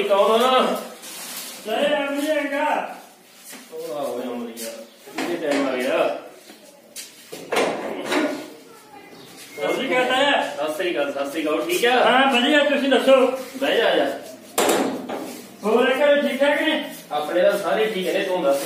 जी कौन आएगा टाइम आ गया सत श्री अकाल ठीक है हाँ बढ़िया तुम दसो बह जा जा होर घर ठीक ठाक ने अपने तो सारे ठीक है तू दस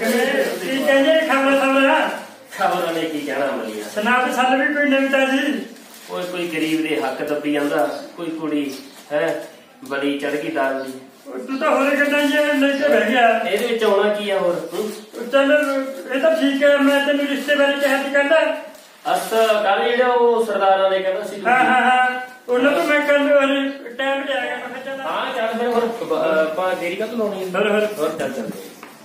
खबर ने की कहना मलिया सुना तो साल भी कोई नवी ताजी कोई गरीब दे हक दबी जांदा कोई कुड़ी है बड़ी चढ़ गई दाल दी तू तो होरे गड्डां जे लेके बह गया ਇਹਦੇ ਵਿੱਚ ਆਉਣਾ ਕੀ ਆ ਹੋਰ चल ये तो ठीक है मैं तेन रिश्ते बारे कह दी कहना ਅਸ ਕੱਲ ਜਿਹੜਾ ਉਹ ਸਰਦਾਰਾਂ ਨੇ ਕਹਿੰਦਾ ਸੀ हाँ हाँ हाँ ਉਹਨਾਂ ਤੋਂ ਮੈਂ ਕੱਲ टाइम ਤੇ ਆ ਗਿਆ ਮੈਂ ਚੱਲ ਹਾਂ ਚੱਲ ਫਿਰ ਹੋਰ ਆਪਾਂ ਦੇਰੀ ਕਾ ਲਾਉਣੀ ਹੋਰ ਚੱਲ ਚੱਲ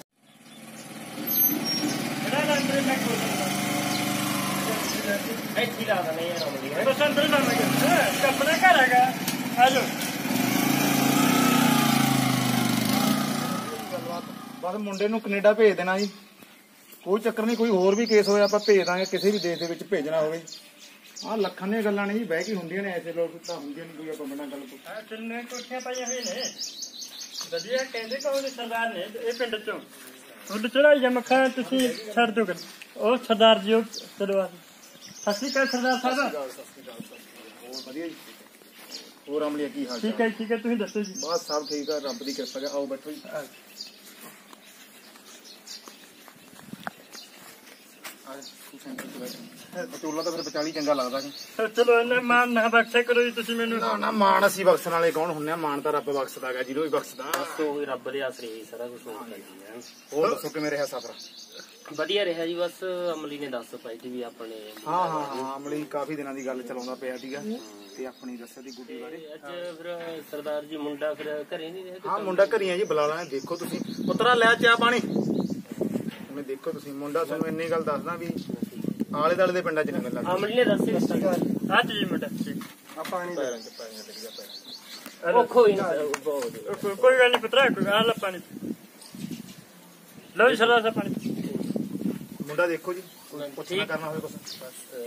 ਇੱਥੇ ਲਾ ਦਨੇ ਯਾਰ ਅਮਲੀ ਬਸ ਅੰਦਰ ਨਾ ਮੈਂ ਆਪਣਾ ਘਰ ਹੈਗਾ ਆ ਜਾਓ ਬਸ ਮੁੰਡੇ ਨੂੰ ਕੈਨੇਡਾ ਭੇਜ ਦੇਣਾ ਜੀ ਕੋਈ ਚੱਕਰ ਨਹੀਂ ਕੋਈ ਹੋਰ ਵੀ ਕੇਸ ਹੋਇਆ ਆਪਾਂ ਭੇਜ ਦਾਂਗੇ ਕਿਸੇ ਵੀ ਦੇਸ਼ ਦੇ ਵਿੱਚ ਭੇਜਣਾ ਹੋਵੇ ਆਹ ਲੱਖਾਂ ਦੀਆਂ ਗੱਲਾਂ ਨਹੀਂ ਬਹਿ ਕੇ ਹੁੰਦੀਆਂ ਨੇ ਐਸੇ ਲੋਕ ਤਾਂ ਹੁੰਦੇ ਨਹੀਂ ਕੋਈ ਆਪਾਂ ਬਣਾ ਗੱਲ ਆ ਕਿੰਨੇ ਕੋਠੀਆਂ ਪਾਈਆਂ ਹੋਈਆਂ ਨੇ ਵਧੀਆ ਕਹਿੰਦੇ ਕਹੋ ਸਰਦਾਰ ਨੇ ਇਹ ਪਿੰਡ ਚੋਂ ਤੁਹਾਡੇ ਚੜਾਈ ਜਾਂ ਮੱਖਾਂ ਤੁਸੀਂ ਛੱਡ ਦਿਓ ਕਰ ਉਹ ਸਰਦਾਰ ਜੀ ਉਹ ਚਲਵਾ ਸਤਿ ਸ਼੍ਰੀ ਅਕਾਲ ਸਰਦਾਰ ਸਾਹਿਬ ਹੋਰ ਵਧੀਆ ਜੀ ਹੋਰ ਅਮਲੀਆ ਕੀ ਹਾਲ ਠੀਕ ਹੈ ਤੁਸੀਂ ਦੱਸੋ ਜੀ ਬਸ ਸਭ ਠੀਕ ਆ ਰੱਬ ਦੀ ਕਿਰਪਾ ਹੈ ਆਓ ਬੈਠੋ ਜੀ ਚੋਲਾ ਤਾਂ ਫਿਰ ਵਿਚਾਲੀ ਚੰਗਾ ਲੱਗਦਾ ਜੀ ਚਲੋ ਇਹਨਾਂ ਮਾਨ ਨਾ ਬਖਸ਼ਿਆ ਕਰੋ ਜੀ ਤੁਸੀਂ ਮੈਨੂੰ ਨਾ ਮਾਣ ਅਸੀਂ ਬਖਸ਼ਣ ਵਾਲੇ ਕੌਣ ਹੁੰਦੇ ਆ ਮਾਣ ਤਾਂ ਰੱਬ ਬਖਸ਼ਦਾ ਹੈਗਾ ਜਿਹਨੂੰ ਵੀ ਬਖਸ਼ਦਾ ਬਸ ਉਹ ਰੱਬ ਦੇ ਆਸਰੇ ਹੀ ਸਾਰਾ ਕੁਝ ਹੋ ਜਾਂਦਾ ਹੋਰ ਦੱਸੋ ਕਿਵੇਂ ਰਿਹਾ ਸਫ਼ਰ ਵਧੀਆ ਰਿਹਾ ਜੀ ਬਸ ਅਮਲੀ ਨੇ ਦੱਸ ਪਾਈ ਸੀ ਵੀ ਆਪਣੇ ਹਾਂ ਅਮਲੀ ਕਾਫੀ ਦਿਨਾਂ ਦੀ ਗੱਲ ਚਲਾਉਂਦਾ ਪਿਆ ਸੀਗਾ ਤੇ ਆਪਣੀ ਦੱਸਿਆ ਦੀ ਗੁੱਡੀ ਬਾਰੇ ਅੱਜ ਫਿਰ ਸਰਦਾਰ ਜੀ ਮੁੰਡਾ ਫਿਰ ਘਰੇ ਨਹੀਂ ਰਿਹਾ ਹਾਂ ਮੁੰਡਾ ਘਰੀ ਆ ਜੀ ਬੁਲਾ ਲੈਣਾ ਦੇਖੋ ਤੁਸੀਂ ਪੁੱਤਰਾ ਲੈ ਚਾਹ ਪਾਣੀ ਹੁਣ ਦੇਖੋ ਤੁਸੀਂ ਮੁੰਡਾ ਤੁਹਾਨੂੰ ਇੰਨੀ ਗੱਲ ਦੱਸਦਾ ਵੀ ਆਲੇ ਦਾਲੇ ਦੇ ਪਿੰਡਾਂ ਚ ਨਹੀਂ ਮਿਲਦਾ ਅਮਲੀ ਨੇ ਦੱਸਿਆ ਅੱਜ ਜੀ ਮੁੰਡਾ ਆ ਪਾਣੀ ਪੈਰਾਂ ਚ ਪਾਣੀ ਲੱਗਿਆ ਪੈਰਾਂ ਉਹ ਕੋਈ ਨਾ ਕੋਈ ਗੱਲ ਨਹੀਂ ਪੁੱਤਰਾ ਕੋਈ ਆ ਲੈ ਪਾਣੀ ਲਓ ਜੀ ਸਰਦਾਰ ਸਾਹਿਬ ਪਾਣੀ ਮੁੰਡਾ ਦੇਖੋ ਜੀ ਪੁੱਛਣਾ ਕਰਨਾ ਹੋਵੇ ਕੁਛ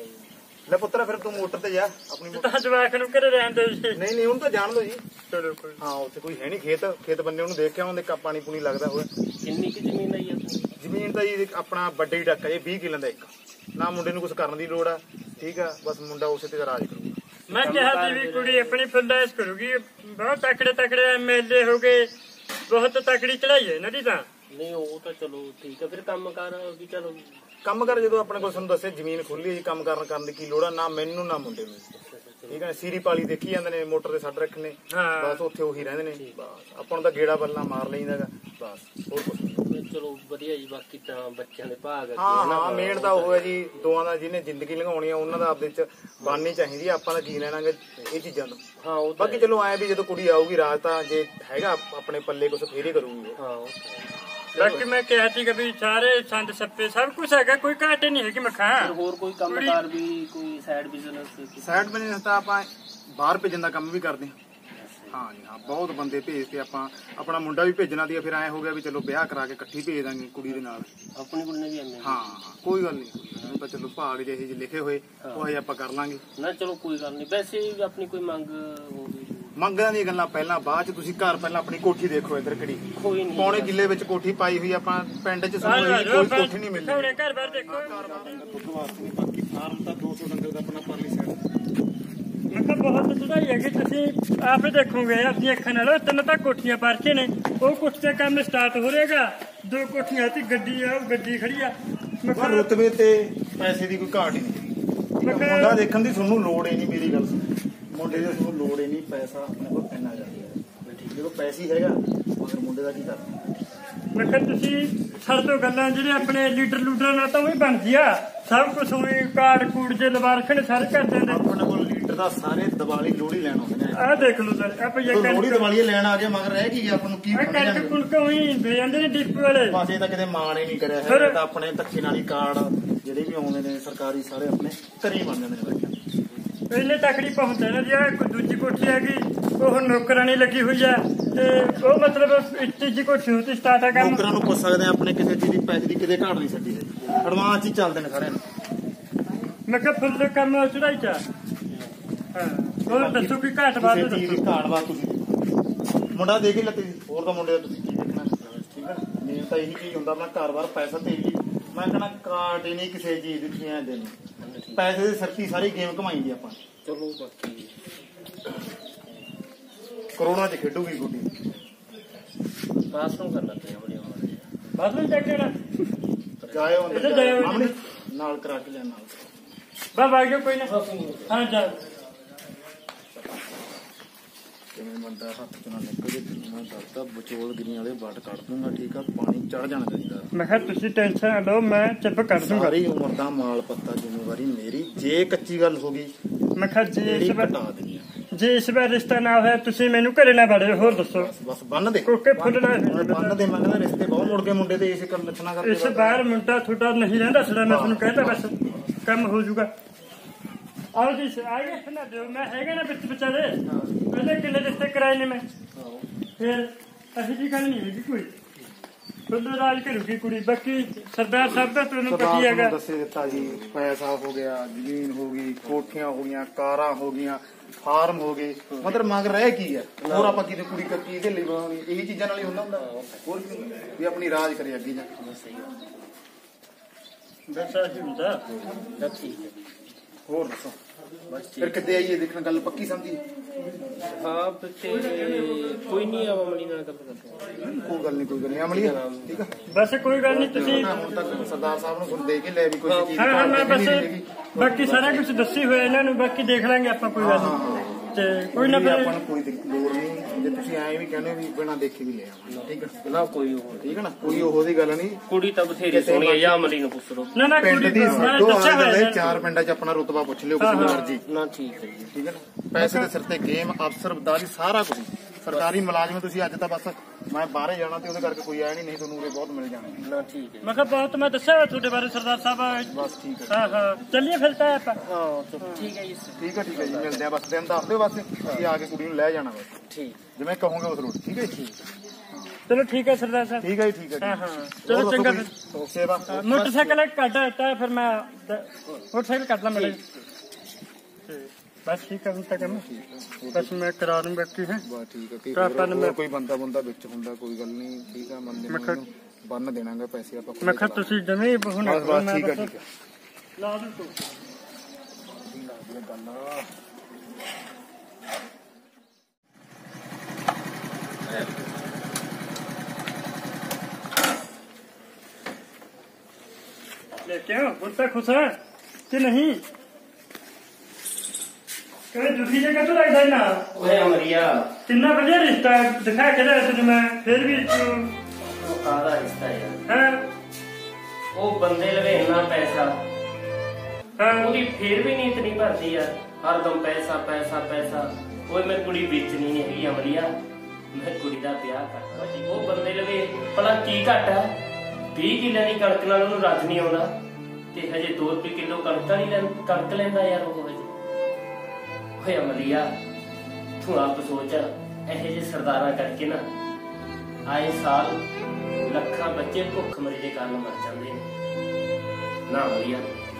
ਲੈ ਪੁੱਤਰਾ ਫਿਰ ਤੂੰ ਮੋਟਰ ਤੇ ਜਾ ਆਪਣੀ ਤਾਂ ਜਵਾਕ ਨੂੰ ਘਰੇ ਰਹਿਣ ਦਿਓ ਜੀ ਨਹੀਂ ਉਹਨੂੰ ਤਾਂ ਜਾਣ ਦੋ ਜੀ ਚਲੋ ਕੋਈ ਹਾਂ ਉੱਥੇ ਕੋਈ ਹੈ ਨਹੀਂ ਖੇਤ ਬੰਦੇ ਉਹਨੂੰ ਦੇਖ ਕੇ ਆਉਂਦੇ ਪਾਣੀ ਪੂਣੀ ਲੱਗਦਾ ਹੋਇਆ ਕਿੰਨੀ ਕਿ ਜ਼ਮੀਨ ਆਈ ਆਪਣੀ ਜ਼ਮੀਨ ਤਾਂ ਜੀ ਆਪਣਾ ਵੱਡੇ ਹੀ ਟੱਕਾ ਜੀ 20 ਕਿੱਲਿਆਂ ਦਾ ਇੱਕ ਨਾ ਮੁੰਡੇ ਨੂੰ ਕੁਝ ਕਰਨ ਦੀ ਲੋੜ ਆ ਠੀਕ ਆ ਬਸ ਮੁੰਡਾ ਉਸੇ ਤੇ ਰਾਜ ਕਰੂਗਾ ਮੈਂ ਕਿਹਾ ਸੀ ਵੀ ਕੁੜੀ ਆਪਣੀ ਫੁੱਲਾਇਸ਼ ਕਰੂਗੀ ਬਹੁਤ ਤਕੜੇ ਐਮਐਲਏ ਹੋ ਗਏ ਬਹੁਤ ਤਕੜੀ ਚੜਾਈ ਹੈ ਇਹਨਾਂ ਦੀ ਤਾਂ ਨਹੀਂ ਉਹ ਤਾਂ ਚਲੋ ਠੀਕ ਆ ਫਿਰ ਕੰਮ ਕਰ ਵੀ ਚਲੋ ਕੰਮ ਕਰ ਜਦੋਂ ਆਪਣੇ ਕੋਲ ਤੁਹਾਨੂੰ ਦੱਸਿਆ ਜ਼ਮੀਨ ਖੁੱਲੀ ਜੀ ਕੰਮ ਕਰਨ ਦੀ ਕੀ ਲੋੜ ਆ ਨਾ ਮੈਨੂੰ ਨਾ ਮੁੰਡੇ ਨੂੰ ਠੀਕ ਹੈ ਸੀਰੀ ਪਾਲੀ ਦੇਖੀ ਜਾਂਦੇ ਨੇ ਮੋਟਰ ਤੇ ਛੱਡ ਰੱਖਣੇ ਬਸ ਉੱਥੇ ਉਹੀ ਰਹਿੰਦੇ ਨੇ ਬਸ ਆਪਾਂ ਨੂੰ ਤਾਂ ਗੇੜਾ ਬੱਲਾ ਮਾਰ ਲਈਦਾਗਾ ਬਸ ਹੋਰ ਕੁਝ ਚਲੋ ਵਧੀਆ ਜੀ ਬਾਕੀ ਤਾਂ ਬੱਚਿਆਂ ਦੇ ਭਾਗ ਹਾਂ ਮੇਨ ਤਾਂ ਉਹ ਹੈ ਜੀ ਦੋਵਾਂ ਦਾ ਜਿਹਨੇ ਜ਼ਿੰਦਗੀ ਲੰਘਾਉਣੀ ਆ ਉਹਨਾਂ ਦਾ ਆਪਦੇ ਚ ਬਣਨੀ ਚਾਹੀਦੀ ਆ ਆਪਾਂ ਤਾਂ ਕੀ ਲੈਣਾਗੇ ਇਹ ਚੀਜ਼ਾਂ ਤੋਂ ਹਾਂ ਬਾਕੀ ਚਲੋ ਐ ਵੀ ਜਦੋਂ ਕੁੜੀ ਆਊਗੀ ਰਾਜ ਤਾਂ ਜੇ ਹੈਗਾ ਆਪਣੇ ਪੱਲੇ ਕੁਛ ਫੇਰ ਹੀ ਕਰੂਗੀ ਹਾਂ ਬਾਕੀ ਮੈਂ ਕਿਹਾ ਸੀ ਕਿ ਵੀ ਸਾਰੇ ਸੰਦ ਸੱਪੇ ਸਭ ਕੁਝ ਹੈਗਾ ਕੋਈ ਘਾਟ ਨਹੀਂ ਹੈਗੀ ਮੱਖਾਂ ਹੋਰ ਕੋਈ ਕੰਮਕਾਰ ਵੀ ਕੋਈ ਸਾਈਡ ਬਿਜ਼ਨਸ ਤਾਂ ਆਪਾਂ ਬਾਹਰ ਭੇਜਣ ਦਾ ਕੰਮ ਵੀ ਕਰਦੇ ਹਾਂ ਜੀ ਹਾਂ ਬਹੁਤ ਬੰਦੇ ਭੇਜ ਕੇ ਆਪਾਂ ਆਪਣਾ ਮੁੰਡਾ ਵੀ ਭੇਜਣਾ ਦੀ ਫਿਰ ਐ ਹੋ ਗਿਆ ਵੀ ਚਲੋ ਵਿਆਹ ਕਰਾ ਕੇ ਇਕੱਠੀ ਭੇਜ ਦਾਂਗੇ ਕੁੜੀ ਦੇ ਨਾਲ ਆਪਣੀ ਕੁੜੀ ਨੇ ਵੀ ਐਵੇਂ ਹਾਂ ਕੋਈ ਗੱਲ ਨਹੀਂ ਤਾਂ ਚਲੋ ਭਾਗ ਜਿਹੇ ਜਿਹੇ ਲਿਖੇ ਹੋਏ ਉਹ ਆਪਾਂ ਕਰ ਲਾਂਗੇ ਨਾ ਚਲੋ ਕੋਈ ਗੱਲ ਨਹੀਂ ਵੈਸੇ ਆਪਣੀ ਕੋਈ ਮੰਗ ਹੋਵੇ ਮੰਗਾਂ ਦੀਆਂ ਗੱਲਾਂ ਪਹਿਲਾਂ ਬਾਅਦ ਚ ਤੁਸੀਂ ਘਰ ਪਹਿਲਾਂ ਆਪਣੀ ਕੋਠੀ ਦੇਖੋ ਇੱਧਰ ਕਿਹੜੀ ਪੌਣੇ ਕਿੱਲੇ ਵਿੱਚ ਕੋਠੀ ਪਾਈ ਹੋਈ ਆਪਾਂ ਪਿੰਡ ਚ ਕੋਈ ਕੋਠੀ ਨਹੀਂ ਮਿਲਦੀ ਆਪਣੇ ਘਰ ਬਾਹਰ ਦੇਖੋ ਬਾਕੀ ਫਾਰਮ ਤਾਂ 200 ਡੰਗਰ ਦਾ ਆਪਣਾ ਪਰਲੀ ਸਾਈਡ ਮੈਂ ਕਿਹਾ ਬਹੁਤ ਚੜਾਈ ਹੈਗੀ ਤੁਸੀਂ ਆਪੇ ਦੇਖੋਗੇ ਆਪਣੀ ਅੱਖਾਂ ਨਾਲ ਤਿੰਨ ਤਾਂ ਕੋਠੀਆਂ ਪਰਚੇ ਨੇ ਉਹ ਕੁਛ ਤੇ ਕੰਮ ਸਟਾਰਟ ਹੋ ਰਹੇਗਾ ਦੋ ਕੋਠੀਆਂ ਤੇ ਗੱਡੀ ਆ ਗੱਡੀ ਖੜੀ ਆ ਪਰ ਰੁਤਬੇ ਤੇ ਪੈਸੇ ਦੀ ਕੋਈ ਘਾਟ ਹੀ ਨਹੀਂ ਮੁੰਡਾ ਦੇਖਣ ਦੀ ਤੁਹਾਨੂੰ ਲੋੜ ਹੀ ਨਹੀਂ ਮੇਰੀ ਗੱਲ ਮੁੰਡੇ ਦੀ ਤੁਹਾਨੂੰ ਲੋੜ ਹੀ ਨਹੀਂ ਪੈਸਾ ਆਪਣੇ ਕੋਲ ਇੰਨਾ ਜ਼ਿਆਦਾ ਠੀਕ ਜਦੋਂ ਪੈਸੇ ਹੈਗਾ ਮਗਰ ਮੁੰਡੇ ਦਾ ਕੀ ਕਰਨਾ ਮੈਂ ਕਿਹਾ ਤੁਸੀਂ ਛੱਡ ਦੋ ਗੱਲਾਂ ਜਿਹੜੇ ਆਪਣੇ ਲੀਡਰਾਂ ਨਾਲ ਤਾਂ ਉਹ ਵੀ ਬਣਦੀ ਆ ਸਭ ਕੁਝ ਹੋਏ ਕਾਰਡ ਕੂੜ ਜੇ ਲਵਾ ਰੱਖਣ ਸਾਰੇ ਘਰ ਦੇ ਆਪਣੇ ਕੋਲ ਲੀਡਰ ਦਾ ਸਾਰੇ ਦੀਵਾਲੀ ਲੋਹੜੀ ਲੈਣ ਆਉਂਦੇ ਨੇ ਆਹ ਦੇਖ ਲਓ ਸਰ ਆਪਾਂ ਲੋਹੜੀ ਦੀਵਾਲੀ ਲੈਣ ਆ ਗਏ ਮਗਰ ਰਹਿ ਕੀ ਆਪਾਂ ਨੂੰ ਕੀ ਕਣਕ ਕੁਣਕ ਹੋਈ ਦੇ ਜਾਂਦੇ ਨੇ ਡਿਪੂ ਵਾਲੇ ਪਾਸੇ ਤਾਂ ਕਿਤੇ ਮਾਣ ਹੀ ਨਹੀਂ ਕਰਿਆ ਹੈ ਤਾਂ ਆਪਣੇ ਧੱਕੇ ਨਾਲ ਹੀ ਕਾਰਡ ਜਿਹੜੇ ਵੀ ਆਉਂਦੇ ਨੇ ਸਰਕਾਰੀ ਸਾਰੇ ਆਪਣੇ ਘਰੇ ਹੀ ਬਣ ਜਾਂਦੇ ਨੇ ਬੱਚਿਆਂ ਪਹਿਲੇ ਤਕੜੀ ਪਹੁੰਚਦੇ ਨੇ ਜੀ ਕੋਈ ਦੂਜੀ ਕੋਠੀ ਹੈਗੀ ਉਹ ਨੌਕਰਾਨੀ ਲੱਗੀ ਹੋਈ ਆ ਤੇ ਉਹ ਮਤਲਬ ਤੀਜੀ ਕੋਠੀ ਹੁੰਦੀ ਸਟਾਰਟ ਆ ਕੰਮ ਨੌਕਰਾਂ ਨੂੰ ਪੁੱਛ ਸਕਦੇ ਆ ਆਪਣੇ ਕਿਸੇ ਚੀਜ਼ ਦੀ ਪੈਸੇ ਦੀ ਕਿਤੇ ਘਾਟ ਨਹੀਂ ਛੱਡੀ ਹੈ ਐਡਵਾਂਸ ਹੀ ਚੱਲਦੇ ਨੇ ਸਾਰਿਆਂ ਨੂੰ ਮੈਂ ਕਿਹਾ ਫੁੱਲ ਕੰਮ ਚੜਾਈ ਚ ਹਾਂ ਹੋਰ ਦੱਸੋ ਕੀ ਘਾਟ ਬਾਤ ਘਾਟ ਬਾਤ ਤੁਸੀਂ ਮੁੰਡਾ ਦੇ ਕੇ ਲੱਤੇ ਹੋਰ ਤਾਂ ਮੁੰਡੇ ਦਾ ਤੁਸੀਂ ਕੀ ਦੇਖਣਾ ਠੀਕ ਹੈ ਨਾ। ਮੇਨ ਤਾਂ ਇਹੀ ਚੀਜ਼ ਹੁੰਦਾ ਆਪਣਾ ਘਰ-ਬਾਰ ਪੈਸਾ ਤੇ ਜੀ ਮੈਂ ਕਹਿੰਦਾ ਕਾਟ ਹੀ ਨਹੀਂ ਕਿਸੇ ਚੀਜ਼ ਦੀ ਐ ਦੇ ਪੈਸੇ ਦੇ ਸਰਤੀ ਸਾਰੀ ਗੇਮ ਘਮਾਈ ਦੀ ਆਪਾਂ ਚਲੋ ਬਾਕੀ ਕਰੋੜਾਂ 'ਚ ਖੇਡੂਗੀ ਗੁੱਡੀ ਪਾਸ ਨੂੰ ਕਰਨਾ ਪਿਆ ਬੜੀਆਂ ਮਾਰੇ ਬਸ ਨੂੰ ਚੱਕ ਲੈਣਾ ਜਾਇਓ ਇੱਧਰ ਜਾਇਓ। ਸਾਹਮਣੇ ਨਾਲ ਕਰਾ ਕੇ ਲਿਆ ਨਾਲ ਬਸ ਆ ਗਿਆ ਕੋਈ ਨਾ ਹਾਂ ਜਾ ਕਿਵੇਂ ਬੰਦਾ ਹੱਥ ਚ ਨਾ ਨਿਕਲ ਜੇ ਮੈਂ ਦੱਸਦਾ ਵਿਚੋਲਗਿਰੀ ਵਾਲੇ ਵੱਟ ਕੱਢ ਦੂੰਗਾ ਠੀਕ ਆ ਪਾਣੀ ਚੜ ਜਾਣਾ ਚਾਹੀਦਾ ਮੈਂ ਕਿਹਾ ਤੁਸੀਂ ਟੈਨਸ਼ਨ ਨਾ ਲਓ ਮੈਂ ਚੁੱਪ ਕਰ ਦੂੰਗਾ। ਸਾਰੀ ਉਮਰ ਦਾ ਮਾਲ ਪੱਤਾ ਜ਼ਿੰਮੇਵਾਰੀ ਮੇਰੀ ਜੇ ਕੱਚੀ ਗੱਲ ਹੋ ਗਈ ਮੈਂ ਕਿਹਾ ਜੇ ਜਿਹੜੀ ਇਸ ਵਾਰ ਘਟਾ ਦੇਣੀ ਆ ਜੇ ਇਸ ਵਾਰ ਰਿਸ਼ਤਾ ਨਾ ਹੋਇਆ ਤੁਸੀਂ ਮੈਨੂੰ ਘਰੇ ਨਾ ਵੜਿਓ ਹੋਰ ਦੱਸੋ। ਬਸ ਬੰਨ ਦੇ ਕੋਕੇ ਫੁੱਲਣਾ ਬੰਨ ਦੇ ਮੈਂ ਕਹਿੰਦਾ ਰਿਸ਼ਤੇ ਬਹੁਤ ਮੁੜ ਕੇ ਮੁੰਡੇ ਦੇ ਇਸੇ ਕਰ ਲੱਛਣਾ ਕਰਕੇ ਇਸ ਵਾਰ ਮੁੰਡਾ ਤੁਹਾਡਾ ਨਹੀਂ ਰਹਿੰਦਾ ਸੜਾ ਮੈਂ ਤੁਹਾਨੂੰ ਕਹਿੰਦਾ ਬਸ ਕੰਮ ਹੋ ਜਾਊਗਾ। ਆਓ ਜੀ ਆਗੇ ਨਾ ਦਿਓ ਮੈਂ ਹੈਗਾ ਨਾ ਵਿੱਚ ਵਿਚਾਰੇ ਪਹਿਲੇ ਕਿੰਨੇ ਰਿਸ਼ਤੇ ਕਰਾਏ ਨੇ ਮੈਂ ਫਿਰ ਅਸੀਂ ਜੀ ਗੱਲ ਨਹੀਂ ਹੈਗੀ ਕੋਈ ਤੁਹਾਡਾ ਰਾਜ ਕਰੂਗੀ ਕੁੜੀ ਬਾਕੀ ਸਰਦਾਰ ਸਾਹਿਬ ਦਾ ਤੁਹਾਨੂੰ ਪਤਾ ਹੀ ਹੈਗਾ। ਦੱਸੇ ਦਿੱਤਾ ਜੀ ਪੈਸਾ ਹੋ ਗਿਆ ਜ਼ਮੀਨ ਹੋ ਗਈ ਕੋਠੀਆਂ ਹੋ ਗਈਆਂ ਕਾਰਾਂ ਹੋ ਗਈਆਂ ਫਾਰਮ ਹੋ ਗਏ ਮਤਲਬ ਮੰਗ ਰਹਿ ਕੀ ਆ ਹੋਰ ਆਪਾਂ ਕਿਤੇ ਕੁੜੀ ਕੱਚੀ ਇਹਦੇ ਲਈ ਬਣਾਉਣੀ ਇਹੀ ਚੀਜ਼ਾਂ ਨਾਲ ਹੀ ਹੁੰਦਾ ਹੋਰ ਕੀ ਵੀ ਆਪਣੀ ਰਾਜ ਕਰੇ ਅੱਗੇ ਜਾ ਕੇ ਬਸ ਆਹੀ ਹੁੰਦਾ ਠੀਕ ਹੈ ਹੋਰ ਦੱਸੋ ਫਿਰ ਕਿੱਦੇ ਆਈਏ ਦੇਖਣ ਗੱਲ ਪੱਕੀ ਸਮਝੀ ਹਾਂ ਤੇ ਕੋਈ ਨਹੀਂ ਅਮਲੀ ਨਾਲ ਗੱਲ ਕਰਦੇ ਕੋਈ ਗੱਲ ਨਹੀਂ ਅਮਲੀ ਠੀਕ ਆ ਬਸ ਕੋਈ ਗੱਲ ਨਹੀਂ ਤੁਸੀਂ ਹੁਣ ਤੱਕ ਸਰਦਾਰ ਸਾਹਿਬ ਨੂੰ ਸੁਣ ਦੇ ਕੇ ਲੈ ਵੀ ਕੋਈ ਚੀਜ਼ ਹਾਂ ਹਾਂ ਮੈਂ ਬਸ ਬਾਕੀ ਸਾਰਾ ਕੁਝ ਦੱਸੀ ਹੋਇਆ ਇਹਨਾਂ ਨੂੰ ਬਾਕੀ ਦੇਖ ਲਾਂਗੇ ਆਪਾਂ ਕੋਈ ਗੱਲ ਨਹੀਂ ਤੇ ਕੋਈ ਨਾ ਆਪਾਂ ਨੂੰ ਕੋਈ ਲੋੜ ਨਹੀਂ ਜੇ ਤੁਸੀਂ ਐਂ ਵੀ ਕਹਿੰਦੇ ਵੀ ਬਿਨਾਂ ਦੇਖੇ ਵੀ ਲੈ ਆਵਾਂਗੇ ਠੀਕ ਆ ਨਾ ਕੋਈ ਹੋਰ ਠੀਕ ਹੈ ਨਾ ਕੋਈ ਉਹੋ ਦੀ ਗੱਲ ਨਹੀਂ ਕੁੜੀ ਤਾਂ ਬਥੇਰੀ ਸੋਹਣੀ ਹੈ ਜਾਂ ਅਮਲੀ ਨੂੰ ਪੁੱਛ ਲਓ ਨਾ ਨਾ ਪਿੰਡ ਕੁੜੀ ਦੀ ਮੈਂ ਦੋ ਦੱਸਿਆ ਹੋਇਆ ਆਲੇ ਇਹਨਾਂ ਚਾਰ ਪਿੰਡਾਂ 'ਚ ਆਪਣਾ ਰੁਤਬਾ ਪੁੱਛ ਲਿਓ ਕਿਸੇ ਮਰਜ਼ੀ ਨਾ ਠੀਕ ਹੈ ਜੀ ਠੀਕ ਹੈ ਨਾ ਪੈਸੇ ਦੇ ਸਿਰ ਤੇ ਗੇਮ ਅਫਸਰ ਬਦਾਰੀ ਸਾਰਾ ਕੁਝ ਸਰਕਾਰੀ ਮੁਲਾਜ਼ਮ ਤੁਸੀਂ ਅੱਜ ਤਾਂ ਬਸ ਮੈਂ ਬਾਹਰੇ ਜਾਣਾ ਤੇ ਉਹਦੇ ਕਰਕੇ ਕੋਈ ਆਇਆ ਨਹੀਂ ਤੁਹਾਨੂੰ ਉਰੇ ਬਹੁਤ ਮਿਲ ਜਾਣਾ ਨਾ ਠੀਕ ਹੈ ਮੈਂ ਕਿਹਾ ਬਹੁਤ ਮੈਂ ਦੱਸਿਆ ਹੋਇਆ ਤੁਹਾਡੇ ਬਾਰੇ ਸਰਦਾਰ ਸਾਹਿਬ ਬਸ ਠੀਕ ਹੈ ਹਾਂ ਹਾਂ ਚੱਲੀਏ ਫਿਰ ਤਾਂ ਆਪਾਂ ਹਾਂ ਠੀਕ ਹੈ ਜੀ ਠੀਕ ਹੈ ਜੀ ਮਿਲਦੇ ਆ ਬਸ ਦਿਨ ਦੱਸ ਦਿਓ ਬਸ ਅਸੀਂ ਆ ਕੇ ਕੁੜੀ ਨੂੰ ਲੈ ਜਾਣਾ ਬਸ ਠੀਕ ਜਿਵੇਂ ਕਹੋਗੇ ਉਸ ਰੋਡ ਠੀਕ ਹੈ ਜੀ ਚਲੋ ਠੀਕ ਹੈ ਸਰਦਾਰ ਸਾਹਿਬ ਠੀਕ ਹੈ ਜੀ ਠੀਕ ਹੈ ਹਾਂ ਜੀ ਹਾਂ ਚਲੋ ਚੰਗਾ ਫਿਰ ਸੇਵਾ ਮੋਟਰਸਾਈਕਲ ਕੱਢ ਦਿੱਤਾ ਫਿਰ ਮੈਂ ਮੋਟਰਸਾਈਕਲ ਕੱਢ ਲਾਂ ਮੇਰੇ ਬਸ ਠੀਕ ਹੈ ਹੁਣ ਤੱਕ ਬਸ ਮੈਂ ਕਰਾ ਦੂੰ ਬਾਕੀ ਹੈ ਬਸ ਠੀਕ ਹੈ ਕਿ ਤਾਂ ਆਪਾਂ ਨੂੰ ਕੋਈ ਬੰਦਾ ਵਿੱਚ ਹੁੰਦਾ ਕੋਈ ਗੱਲ ਨਹੀਂ ਠੀਕ ਆ ਬੰਦੇ ਨੂੰ ਬੰਨ ਦੇਣਾਗਾ ਪੈਸੇ ਆਪਾਂ ਮੈਂ ਕਿਹਾ ਤੁਸੀਂ ਜਮੇ ਹੁਣ ਬਸ ਠੀਕ ਹੈ ਲਾ ਦੂੰ ਤੂੰ ले क्यों बुढ़ता खुश है कि नहीं कहीं दूसरी जगह तो लगता है ना ਓਏ ਅਮਰੀਆ कितना बढ़िया रिश्ता है दिखा के रहा तुझे मैं फिर भी ਉਹ ਕਾਹਦਾ ਰਿਸ਼ਤਾ ਯਾਰ हाँ ਉਹ ਬੰਦੇ ਲਵੇ ਇੰਨਾ ਪੈਸਾ हाँ ਉਹਦੀ ਫੇਰ ਵੀ ਨੀਤ ਨਹੀਂ ਭਰਦੀ ਯਾਰ ਹਰਦਮ ਪੈਸਾ ਪੈਸਾ ਪੈਸਾ ਓਏ ਮੈਂ ਕੁੜੀ ਵੇਚਣੀ ਨਹੀਂ ਹੈਗੀ ਅਮਰੀਆ ਮੈਂ ਕੁੜੀ ਦਾ ਵਿਆਹ ਕਰਨਾ ਜੀ ਉਹ ਬੰਦੇ ਲਵੇ ਭਲਾ ਕੀ ਘੱਟ ਆ 20 ਕਿੱਲੇ ਦੀ ਕਣਕ ਨਾਲ ਉਹਨੂੰ ਰੱਜ ਨਹੀਂ ਆਉਂਦਾ ਤੇ ਹਜੇ 2 ਰੁਪਏ ਕਿਲੋ ਕਣਕ ਲੈਂਦਾ ਯਾਰ ਉਹ ਹਜੇ ਓਏ ਅਮਰੀਆ ਤੂੰ ਆਪ ਸੋਚ ਇਹੋ ਜਿਹੇ ਸਰਦਾਰਾਂ ਕਰਕੇ ਨਾ ਆਏ ਸਾਲ ਲੱਖਾਂ ਬੱਚੇ ਭੁੱਖ ਮਰੀ ਦੇ ਕਾਰਨ ਮਰ ਜਾਂਦੇ ਨੇ ਨਾ ਅਮਰੀਆ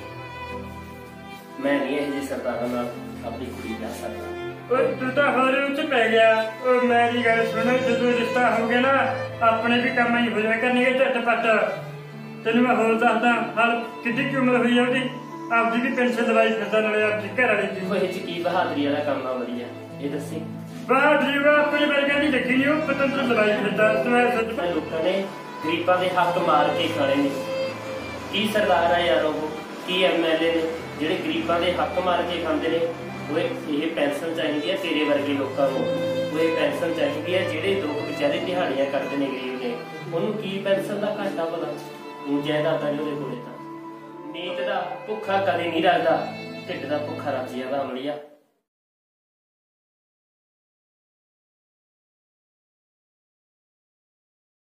ਮੈਂ ਨਹੀਂ ਇਹੋ ਜਿਹੇ ਸਰਦਾਰਾਂ ਨਾਲ ਆਪਣੀ ਕੁੜੀ ਵਿਆਹ ਸਕਦਾ ओए तू तो हमारे उच्च पै गया और मेरी गल सुनो जो रिश्ता हो गया ना अपने भी काम ही हो जाए करने के झटपट तेन मैं होर दसदा हल कितनी की उम्र हुई है ਉਹਦੀ ਆਪਦੀ ਵੀ ਪੈਨਸ਼ਨ ਦਵਾਈ ਫਿਰਦਾ ਨਾਲੇ ਆਪਦੀ ਘਰ ਵਾਲੀ ਦੀ ਉਹ ਇਹ ਚ ਕੀ ਬਹਾਦਰੀ ਵਾਲਾ ਕੰਮ ਆ ਅਮਰੀਆ ਇਹ ਦੱਸੀ ਬਾਹਰ ਜੀਵਾ ਆਪਣੇ ਵਰਗਾ ਨਹੀਂ ਦੇਖੀ ਨਹੀਂ ਉਹ ਪਤੰਤਰ ਦਵਾਈ ਫਿਰਦਾ ਤੂੰ ਐ ਸੱਚ ਇਹ ਲੋਕਾਂ ਨੇ ਗਰੀਬਾਂ ਦੇ ਹੱਕ ਮਾਰ ਕੇ ਖਾਣੇ ਨੇ ਕੀ ਸਰਦਾਰ ਆ ਯਾਰ ਉਹ ਕੀ ਐਮਐਲਏ ਨੇ ਜਿਹੜੇ ਗਰੀਬਾਂ ਦੇ ਹੱਕ ਮਾਰ ਕੇ ਖਾਂਦੇ ਨੇ ਉਹ ਇਹ ਪੈਨਸ਼ਨ ਚਾਹੀਦੀ ਹੈ ਤੇਰੇ ਵਰਗੇ ਲੋਕਾਂ ਨੂੰ ਉਹ ਇਹ ਪੈਨਸ਼ਨ ਚਾਹੀਦੀ ਹੈ ਜਿਹੜੇ ਲੋਕ ਵਿਚਾਰੇ ਦਿਹਾੜੀਆਂ ਕਰਦੇ ਨੇ ਗਰੀਬ ਨੇ ਉਹਨੂੰ ਕੀ ਪੈਨਸ਼ਨ ਦਾ ਘਾਟਾ ਭਲਾ ਉਹ ਜਾਇਦਾਦਾਂ ਉਹਦੇ ਕੋਲੇ ਤਾਂ ਨੀਤ ਦਾ ਭੁੱਖਾ ਕਦੇ ਨਹੀਂ ਰੱਖਦਾ ਢਿੱਡ ਦਾ ਭੁੱਖਾ ਰੱਜ ਜਾਂਦਾ ਅਮਲੀਆ